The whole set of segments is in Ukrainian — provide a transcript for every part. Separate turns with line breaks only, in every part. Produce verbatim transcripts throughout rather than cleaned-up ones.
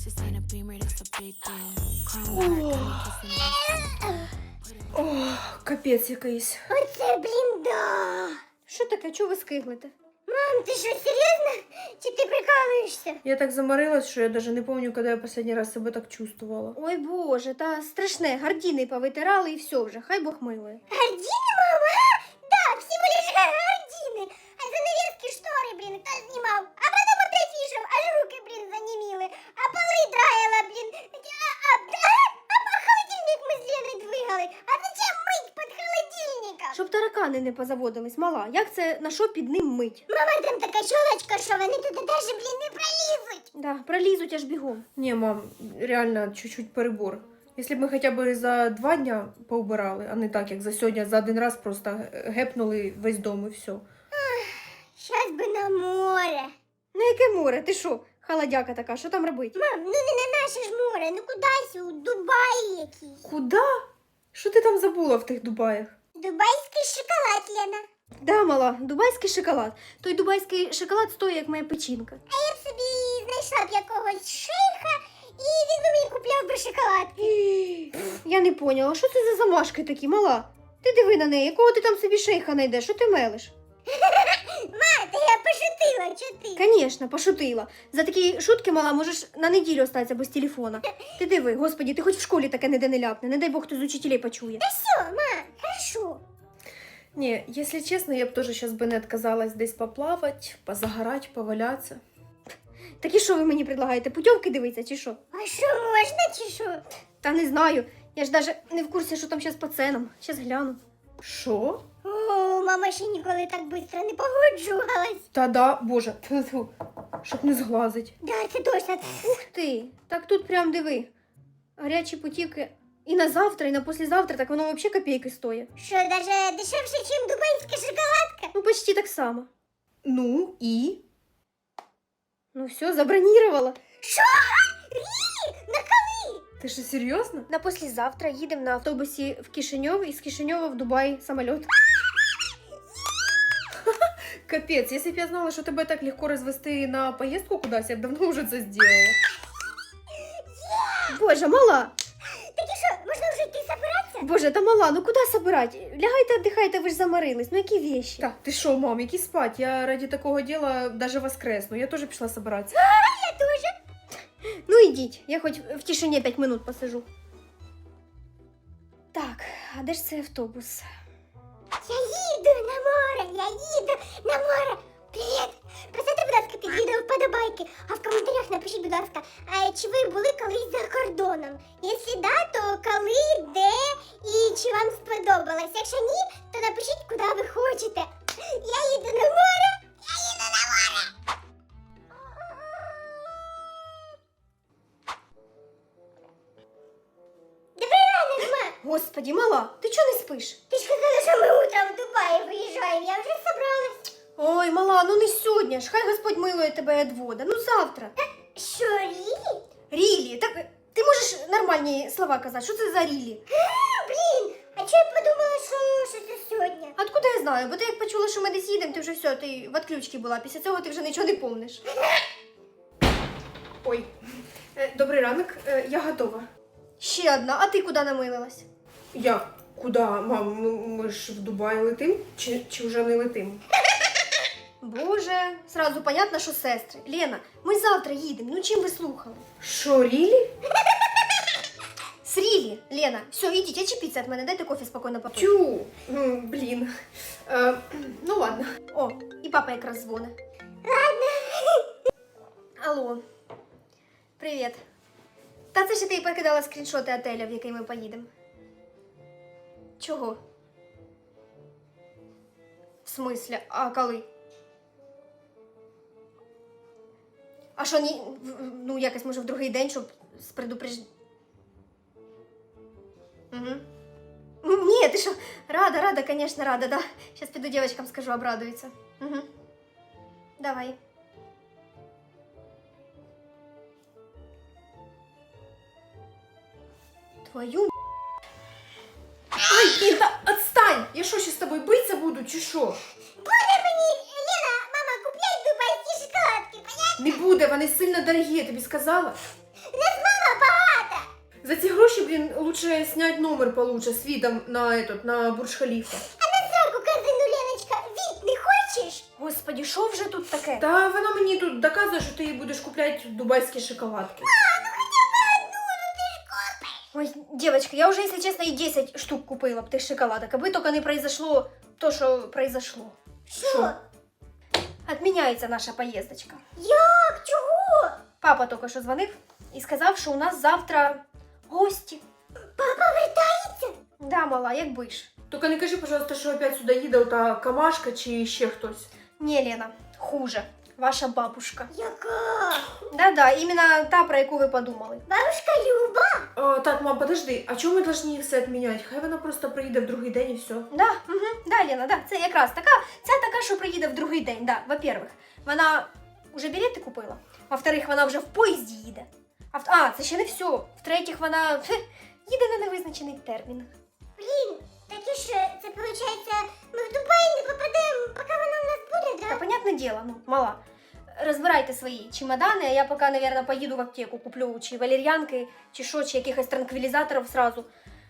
Ох, капець якийсь.
Оце, блін, да.
Що таке? Чого ви скиглите?
Мам, ти що, серйозно? Чи ти прикалуєшся?
Я так заморилась, що я даже не помню, коли я последний раз себе так чувствовала.
Ой боже, та страшне, гардіни повитирали і все вже, хай Бог милує.
Гардини, мама? А? Да, всего лишь гардины. А занавески штори, блін, хто знімав? А потім опять вішав, аж руки, блін, заніміли. А поли драїла, блін. А, а, а, а холодильник ми з Леною двигали. А зачем мить під холодильником?
Щоб таракани не позаводились, мала, як це, на що під ним мить?
Мама, там така щолочка, що вони туди даже, блін, не пролізуть.
Да, пролізуть аж бігом.
Не, мам, реально чуть-чуть перебор. Если б ми хоча б за два дня поубирали, а не так, як за сьогодні, за один раз просто гепнули весь дом і все.
Щас би на море.
На яке море? Ти що? Холодяка така, що там робить?
Мам, ну не на наше ж море, ну кудись у Дубаї якийсь.
Куда? Що ти там забула в тих Дубаях?
Дубайський шоколад, Лена.
Да, мала, дубайський шоколад. Той дубайський шоколад стоїть, як моя печінка.
А я б собі знайшла б якогось шейха, і він би мені купляв би шоколадки.
Я не поняла, що це за замашки такі, мала? Ти диви на неї, якого ти там собі шейха знайдеш, що ти мелиш?
Ма, та я пошутила, чо ти?
Конечно, пошутила. За такі шутки, мала, можеш на неділю остатися без телефона. Ти диви, господі, ти хоч в школі таке ніде не ляпне, не дай Бог, хто з учителей почує.
Та все, ма, хорошо.
Не, если честно, я б тоже сейчас бы не отказалась десь поплавать, позагорать, поваляться.
Так і що ви мені предлагаєте, путівки дивитися чи що?
А що, можна чи що?
Та не знаю, я ж даже не в курсі, що там зараз по ценам. Щас гляну.
Що?
О, мама ще ніколи так швидко не погоджувалась.
Та да, боже, тьфу-тьфу, щоб не зглазить.
Да, це точно.
Ух ти, так тут прям диви. Гарячі путівки і на завтра, і на послезавтра, так воно взагалі копійки стоїть.
Що, даже дешевше, ніж дубайська шоколадка?
Ну, почти так само.
Ну і?
Ну все, забронировала.
Що? Рі? На коли?
Ти що, серйозно?
На послезавтра їдемо на автобусі в Кишиньов і з Кишиньова в Дубай самоліт.
Капець, якщо б я знала, що тебе так легко розвести на поїздку кудись, я б давно вже це зробила.
Боже, мала.
Так і що, можна вже йти собиратися?
Боже, та мала, ну куди собирать? Лягайте, віддихайте, ви ж заморились. Ну які вещи?
Так, ти що, мам, які спать? Я ради такого діла даже воскресну. Я теж пішла собиратися.
Я теж.
Ну ідіть, я хоч в тишині п'ять минут посижу. Так, а де ж цей автобус?
Я їду на море, я їду на море. Привіт! Поставте, будь ласка, під відео вподобайки, а в коментарях напишіть, будь ласка, а чи ви були колись за кордоном? Якщо да, то коли, де і чи вам сподобалось? Якщо ні, то напишіть, куди ви хочете. Я їду на море, я їду на море. Добрий ранок, ма!
Господі, мала, ти чого не спиш?
Ти ж казала, що ми утром в Дубаї виїжджаємо, я вже собралась.
Ой, мала, ну не сьогодні ж, хай Господь милує тебе від вода, ну завтра.
Що, Рі?
Рілі, так ти можеш нормальні слова казати, що це за рілі?
А, блін, а чого я подумала, що, що це сьогодні?
Откуда я знаю, бо ти як почула, що ми десь їдемо, ти вже все, ти в отключці була, після цього ти вже нічого не помниш.
Ой, е, добрий ранок, е, я готова.
Ще одна, а ти куди намилилась?
Я? Куди, мам? Ну, ми ж в Дубай летим? Чи, чи вже не летим?
Боже, сразу понятно, що сестри. Лена, ми завтра їдемо, ну чим ви слухали?
Що, Рілі?
З Рілі, Лена, все, ідіть, очепіться від мене, дайте кофе спокійно попити.
Тю, м, блін. Е, ну ладно.
О, і папа якраз дзвонить. Алло. Привіт. Та це ж ти покидала скріншоти отеля, в який ми поїдемо. Чого? В смислі? А коли? А що, ні, ну якось, може, в другий день, щоб з предупреж... Угу. Ні, ти що, рада, рада, конечно, рада, да. Сейчас піду девочкам скажу, обрадуються. Угу. Давай. Твою...
Ай, блін, та отстань! Я що, ще з тобою битися буду, чи що?
Буде мені, Лена, мама, купляй дубайські шоколадки, понятно?
Не буде, вони сильно дорогі, я тобі сказала.
Ну
За ці гроші, блін, лучше снять номер получше з видом на этот, на Бурдж-Халіфа.
А на сраку казину, Леночка, від не хочеш?
Господи, що вже тут таке?
Та вона мені тут доказує, що ти їй будеш купляти дубайські шоколадки.
А, ну хоча б одну, ну ти ж купиш.
Ой, девочка, я уже, если честно, и десять штук купила б тих шоколадок, аби только не произошло то, что произошло.
Що?
Отменяется наша поездочка.
Як? Чого?
Папа только що дзвонив і сказав, що у нас завтра гості.
Папа вертається?
Да, мала, якби ж.
Тільки не кажи, пожалуйста, що опять сюди їде ота Камашка чи ще хтось.
Не, Лена, хуже. Ваша бабушка.
Яка?
Да-да, іменно та, про яку ви подумали.
Бабушка Люба?
А, так, мам, подожди, а чому ми повинні все відміняти? Хай вона просто приїде в другий день і все.
Да, угу, да, Лена, да, це якраз така, ця така, що приїде в другий день, да, во-первых, вона уже білети купила, во-вторых, вона вже в поїзді їде, а, в- а це ще не все, в-третіх, вона хе, їде на невизначений термін.
Блін, так і що, це виходить, ми в Дубай не попадемо, поки вона у нас буде,
Та,
да?
понятне діло, ну, мала, розбирайте свої чемодани, а я поки, наверное, поїду в аптеку, куплю чи валер'янки, чи що, чи якихось транквілізаторів сразу.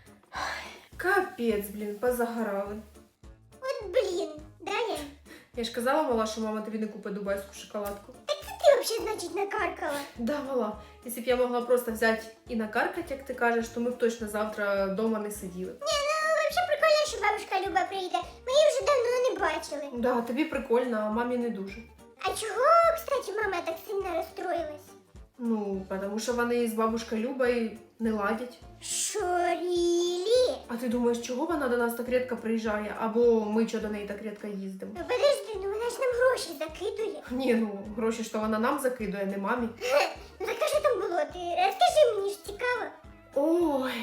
Капець, блін, позагорали.
От блін, да, Лен?
Я ж казала, мала, що мама тобі не купить дубайську шоколадку.
Так це ти взагалі, значить, накаркала.
Да, мала, якщо б я могла просто взяти і накаркати, як ти кажеш, то ми б точно завтра вдома не сиділи.
Ні, ну взагалі прикольно, що бабушка Люба прийде. Ми її вже давно не бачили.
Да, тобі прикольно, а мамі не дуже.
А чого, кстати, мама так сильно розстроїлась?
Ну, тому що вони з бабушкою Любою не ладять.
Що, рілі?
А ти думаєш, чого вона до нас так рідко приїжджає, або ми чого до неї так рідко їздимо?
Ну подожди, ну вона ж нам гроші закидує.
Ні, ну, гроші, що вона нам закидує, не мамі.
Ну так а що там було? Ти розкажи мені ж цікаво.
Ой.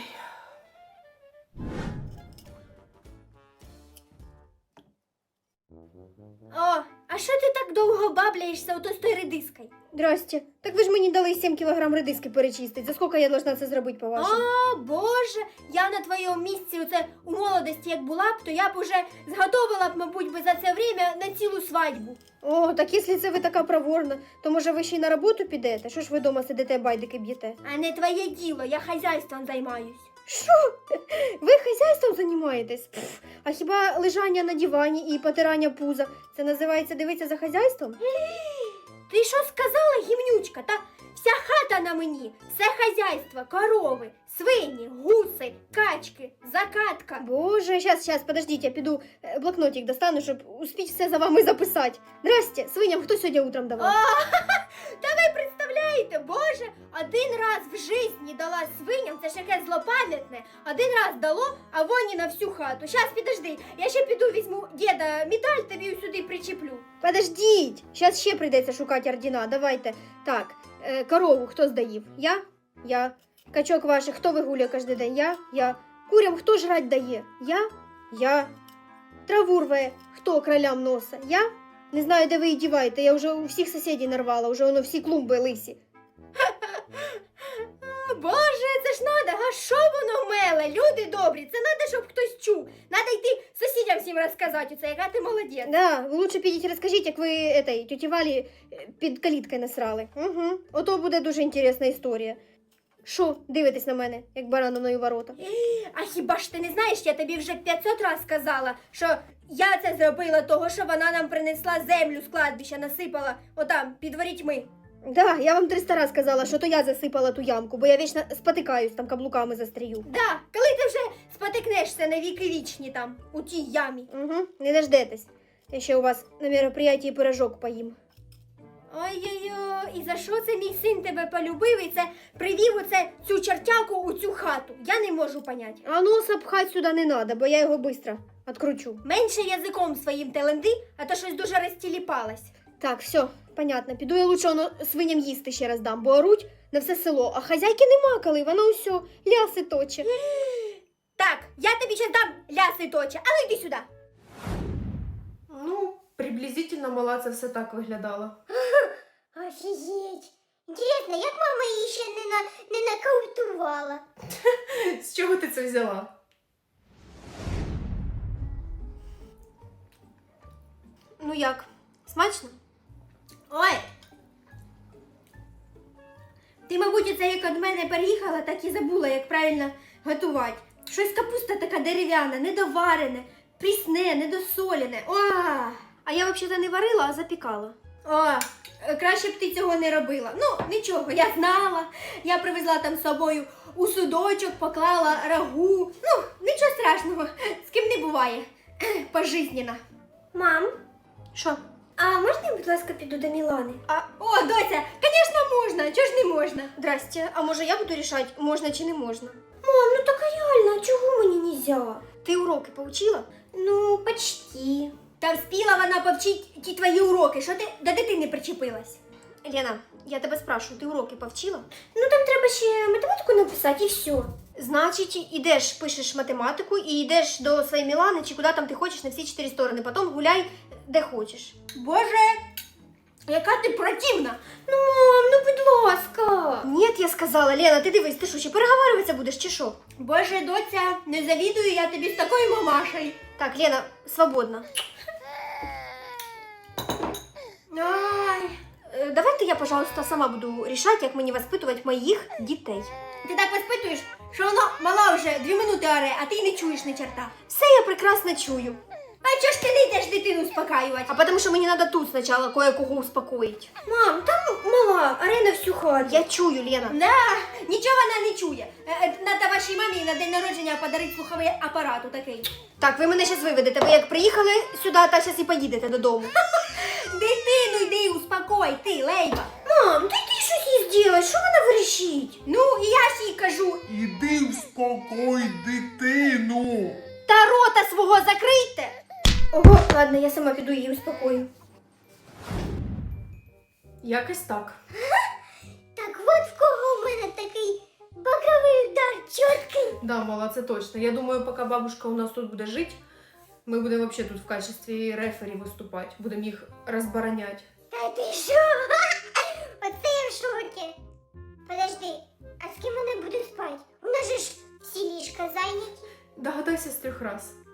О, а що ти так довго бабляєшся ото з тою редискою? Здрасте. Так ви ж мені дали сім кілограм редиски перечистити. За скільки я должна це зробити, по-вашому? О, Боже, я на твоєму місці оце у молодості як була б, то я б уже зготовила б, мабуть, би за це время на цілу свадьбу. О, так якщо це ви така проворна, то може ви ще й на роботу підете? Що ж ви дома сидите, байдики б'єте? А не твоє діло, я хазяйством займаюсь. Що? Ви хазяйством займаєтесь? Пф, а хіба лежання на дивані і потирання пуза це називається дивитися за хазяйством? Ти що сказала, гімнючка? Та вся хата на мені, все хазяйство, корови, свині, гуси, качки, закатка. Боже, щас, щас, подождіть, я піду е, блокнотик достану, щоб успіть все за вами записати. Здрасте, свиням хто сьогодні утром давав? Та ви представляєте, Боже, один раз в житті дала свиням, це ж яке злопам'ятне, один раз дало, а воні на всю хату. Щас, підожди, я ще піду візьму діда медаль, тобі сюди причеплю. Подождіть, щас ще прийдеться шукати ордена, давайте. Так, е, корову хто здаїв? Я? Я. Качок ваших хто вигулює кожен день? Я? Я. Курям хто жрать дає? Я? Я. Траву рве хто кролям носа? Я? Не знаю, де ви її діваєте, я вже у всіх сусідів нарвала, вже воно всі клумби лисі. Боже, це ж надо, а що воно меле? Люди добрі, це надо, щоб хтось чув. Надо йти сусідям всім розказати, оце, яка ти молодець. Да, ви лучше підіть розкажіть, як ви этой, тьоті Валі під каліткою насрали. Угу. Ото буде дуже інтересна історія. Що, дивитесь на мене, як бараниною ворота? А хіба ж ти не знаєш, я тобі вже п'ятсот раз сказала, що я це зробила того, що вона нам принесла землю з кладбища, насипала отам, під ворітьми. Да, я вам триста раз сказала, що то я засипала ту ямку, бо я вічно спотикаюсь, там каблуками застрію. Да, коли ти вже спотикнешся на віки вічні там, у тій ямі. Угу, не дождетесь. Я ще у вас на мероприятии пирожок поїм. Ой-ой-ой, і за що це мій син тебе полюбив і це привів оце цю чертяку у цю хату? Я не можу понять. А носа пхать сюди не надо, бо я його быстро откручу. Менше язиком своїм теленди, а то щось дуже розтіліпалась. Так, все, понятно. Піду я лучше воно свиням їсти ще раз дам, бо оруть на все село, а хазяйки нема коли, воно усьо ляси точе. Так, я тобі ще дам ляси точе, але йди сюди.
Ну, приблизительно, мала, це все так виглядало.
Офігеть. Інтересно, як мама її ще не, на, не нокаутувала?
З чого ти це взяла?
Ну як, смачно? Ой! Ти, мабуть, це як від мене переїхала, так і забула, як правильно готувати. Щось капуста така дерев'яна, недоварене, прісне, недосолене. О! А я взагалі не варила, а запікала. О, краще б ти цього не робила. Ну, нічого, я знала. Я привезла там з собою у судочок, поклала рагу. Ну, нічого страшного, з ким не буває. Пожизненно.
Мам,
Що?
а можна я, будь ласка, піду до Мілани?
А, о, доця, звісно, можна. Чого ж не можна? Здрасте, а може я буду рішати, можна чи не можна?
Мам, ну так реально, чого мені нельзя?
Ти уроки поучила?
Ну, почти.
Та вспіла вона повчить ті твої уроки. Що ти до дитини причепилась? Лена, я тебе спрашиваю, ти уроки повчила?
Ну там треба ще математику написати і все.
Значить, ідеш, пишеш математику і йдеш до своєї Мілани, чи куди там ти хочеш на всі чотири сторони. Потім гуляй де хочеш. Боже, яка ти противна!
Ну, мам, ну будь ласка.
Ні, я сказала, Лена, ти дивись, ти що, ще переговарюватися будеш чи що? Боже, доця, не завідую я тобі з такою мамашею. Так, Лена, свободна. Ай. Е, Давайте я, пожалуйста, сама буду рішати, як мені воспитувати моїх дітей. Ти так воспитуєш, що воно мала вже дві минути оре, а ти не чуєш ні черта. Все я прекрасно чую. А чого ж ти не йдеш дитину успокаювати? А тому що мені треба тут спочатку кое-кого успокоїти.
Мам, там мала, арена всю хату.
Я чую, Лена. Да, нічого вона не чує. Е, Надо вашій мамі на день народження подарити слуховий апарат такий. Так, ви мене зараз виведете. Ви як приїхали сюди, та зараз і поїдете додому. Дитину йди, успокой, ти, Лейба.
Мам, ти ти щось їй зробиш, що вона верещить?
Ну, і я ж їй кажу,
Іди успокой дитину.
та рота свого закрийте. Ого, ладно, я сама піду її успокою.
Якось так.
Так от в кого в мене такий боковий удар чіткий.
Да, мала, це точно. Я думаю, поки бабушка у нас тут буде жити, ми будемо вообще тут в качестві рефері виступати. Будемо їх розбороняти.
Та ти що? Оце я в шокі. Подожди, а з ким вона буде спати? У нас же ж всі ліжка зайняті.
Догадайся з трьох раз.